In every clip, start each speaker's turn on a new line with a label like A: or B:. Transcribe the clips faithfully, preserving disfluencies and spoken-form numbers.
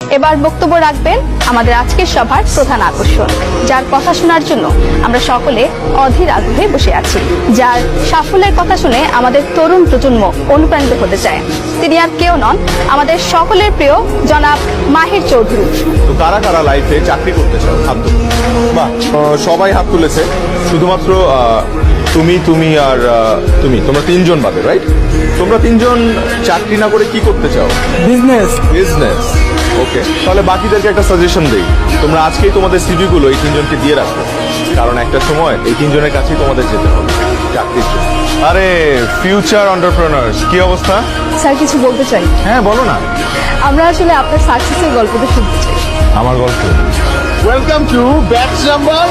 A: এবার বক্তব্য রাখবেন আমাদের আজকের সভার প্রধান আকর্ষণ, যার কথা শোনার জন্য আমরা সকলে অধীর আগ্রহে বসে আছি, যার সাফল্যের কথা শুনে আমাদের তরুণ প্রজন্ম অনুপ্রাণিত হতে চায়। তিনি আর কেউ নন, আমাদের সকলের প্রিয় জনাব মাহির চৌধুরী।
B: তো কারা কারা লাইফে চাকরি করতে চাও? হাত তুলো। বাহ, সবাই হাত তুলেছে, শুধুমাত্র তুমি তুমি আর তুমি, তোমরা তিনজন বাদে, রাইট? তোমরা তিনজন চাকরি না করে কি করতে চাও?
C: বিজনেস।
B: Business, okay. তাহলে বাকিদেরকে একটা সাজেশন দেই, তোমরা আজকেই তোমাদের সিভি গুলো এই তিনজনকে দিয়ে রাখো, কারণ একটা সময় এই তিনজনের কাছেই তোমাদের যেতে হবে চাকরির জন্য। আরে ফিউচার এন্টারপ্রেনার্স, কি অবস্থা?
A: স্যার কিছু বলতে চাই।
B: হ্যাঁ বলো না।
A: আমরা আসলে আপনার সাকসেসের গল্পটা শুনতে চাই।
B: আমার গল্প? Welcome to batch number.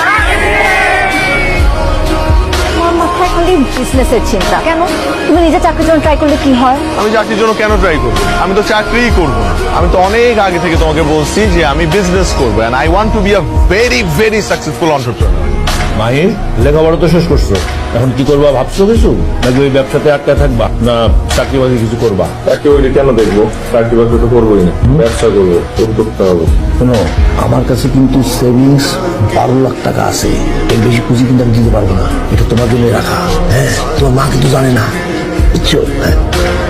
A: মাথায় খালি বিজনেসের চিন্তা কেন? তুমি নিজে চাকরির জন্য ট্রাই করলে কি হয়?
B: আমি চাকরির জন্য কেন ট্রাই করবো? আমি তো চাকরিই করবো না। আমি তো অনেক আগে থেকে তোমাকে বলছি যে আমি বিজনেস করবো, and I want to be a very very successful entrepreneur.
D: Mahir, লেখাপড়া তো শেষ করছো, এখন কি করবা ভাবছো কিছু? নাকি ওই ব্যবসাতে আটকায় থাকবা, না চাকরি বাকরি কিছু করবা?
B: চাকরি বাকরি কেন দেখবো? চাকরি বাকরি তো করবোই না, ব্যবসা করবো, উদ্যোক্তা হবো।
D: শোনো, আমার কাছে কিন্তু সেভিংস বারো লাখ টাকা আছে, এর বেশি পুঁজি কিন্তু আমি দিতে পারবো না। এটা তোমার জন্য রাখা। হ্যাঁ, তোমার মা কিন্তু জানে না, বুঝছো? হ্যাঁ।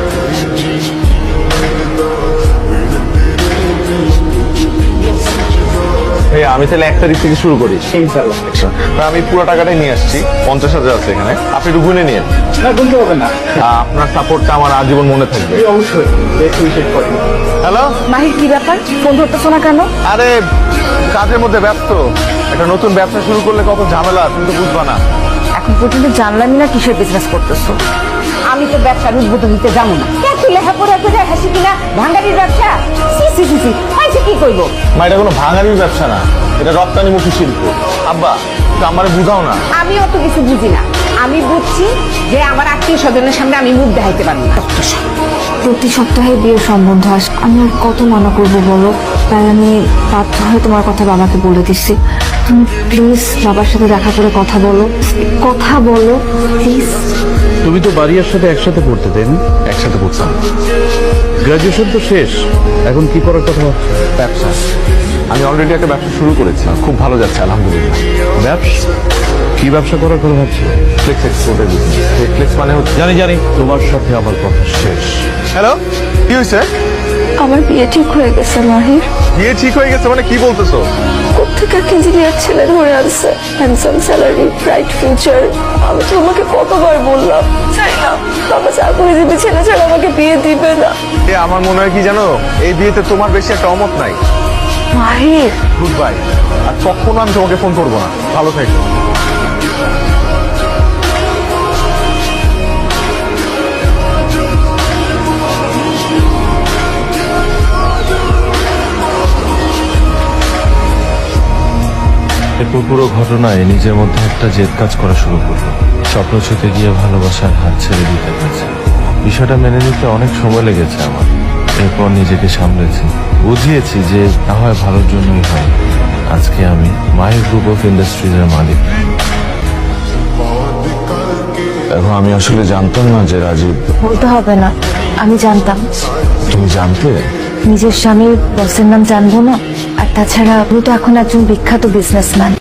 B: এই আমি তাহলে এক তারিখ থেকে শুরু করি। আমি পুরো টাকাটাই নিয়ে আসছি, পঞ্চাশ হাজার আছে এখানে, আপনি একটু গুনে নিন।
C: না, গুনতে হবে না।
B: আপনার সাপোর্টটা আমার আজীবন মনে থাকবে।
C: অবশ্যই করি।
B: হ্যালো
A: মাহির, কি ব্যাপার? ফোন ধরতেছো না কেন?
B: আরে কাজের মধ্যে ব্যস্ত, একটা নতুন ব্যবসা শুরু করলে কত ঝামেলা তুমি তো বুঝবা না।
E: এখন পর্যন্ত জানলামই না কিসের বিজনেস করতেছো। আমি তো ব্যবসার উদ্বোধন দিতে যাবো না। তুই লেখাপড়া করে হাসি কিনা ভাঙ্গারির ব্যবসা? সি সি সি সি পাইছে কি করবো?
B: মা, এটা কোনো ভাঙারির ব্যবসা না, এটা রপ্তানিমুখী শিল্প। আব্বা, একটু আমারে বুঝাও না।
E: আমি অত কিছু বুঝি না। আমি বুঝছি যে আমার আত্মীয় স্বজনের সামনে আমি মুখ দেখাইতে পারবো না।
F: প্রতি সপ্তাহে বিয়ের সম্বন্ধ আস, আমি আর কত মানা করবো বলো? তাই আমি বাধ্য হয়ে তোমার কথা বাবাকে বলে দিচ্ছি। তুমি প্লিজ বাবার সাথে দেখা করে কথা বলো, কথা বলো প্লিজ।
D: তুমি তো বাড়ির সাথে একসাথে পড়তে, তাই না?
B: একসাথে বুঝলাম।
D: গ্রাজুয়েশন তো শেষ, এখন কি করার কথা ভাবছো?
B: ব্যবসা, আমি অলরেডি একটা ব্যবসা শুরু করেছি, খুব ভালো যাচ্ছে আলহামদুলিল্লাহ।
D: ব্যবসা? কি ব্যবসা করার কথা ভাবছো?
B: ফ্লেক্স এক্সপোর্টের বিজনেস। ফ্লেক্স মানে হচ্ছে,
D: জানি জানি, তোমার সাথে আমার কথা শেষ।
B: হ্যালো, কি হয়েছে?
F: আমার বিয়ে ঠিক হয়ে গেছে মাহির।
B: বিয়ে ঠিক হয়ে গেছে মানে কি বলতেছো?
F: কোথেকে এক ইঞ্জিনিয়ার ছেলে ধরে আনছে, হ্যান্ডসাম স্যালারি, ব্রাইট ফিউচার। আমি তো তোমাকে কতবার বললাম, চাই না বাবা চাকরিজীবী ছেলে ছাড়া আমাকে বিয়ে দিবে না।
B: এ আমার মনে হয় কি জানো, এই বিয়েতে তোমার বেশি একটা অমত নাই।
F: মাহির,
B: গুড বাই, আর কখনো আমি তোমাকে ফোন করবো না। ভালো থাকো।
G: এরপর পুরো ঘটনায় নিজের মধ্যে একটা জেদ কাজ করা শুরু করলো। স্বপ্ন ছুতে গিয়ে ভালোবাসার হাত ছেড়ে দিতে হয়েছে। বিষয়টা মেনে নিতে অনেক সময় লেগেছে আমার। এরপর নিজেকে সামলেছি, বুঝিয়েছি যে না হয় ভালোর জন্যই হয়। আজকে আমি মাহির গ্রুপ অফ ইন্ডাস্ট্রিজের মালিক। এখন আমি আসলে জানতাম না যে রাজীব।
F: বলতে হবে না, আমি জানতাম।
G: তুমি জানতে?
F: নিজের স্বামীর বসের নাম জানবো না? আর তাছাড়া আমি তো এখন একজন বিখ্যাত বিজনেসম্যান।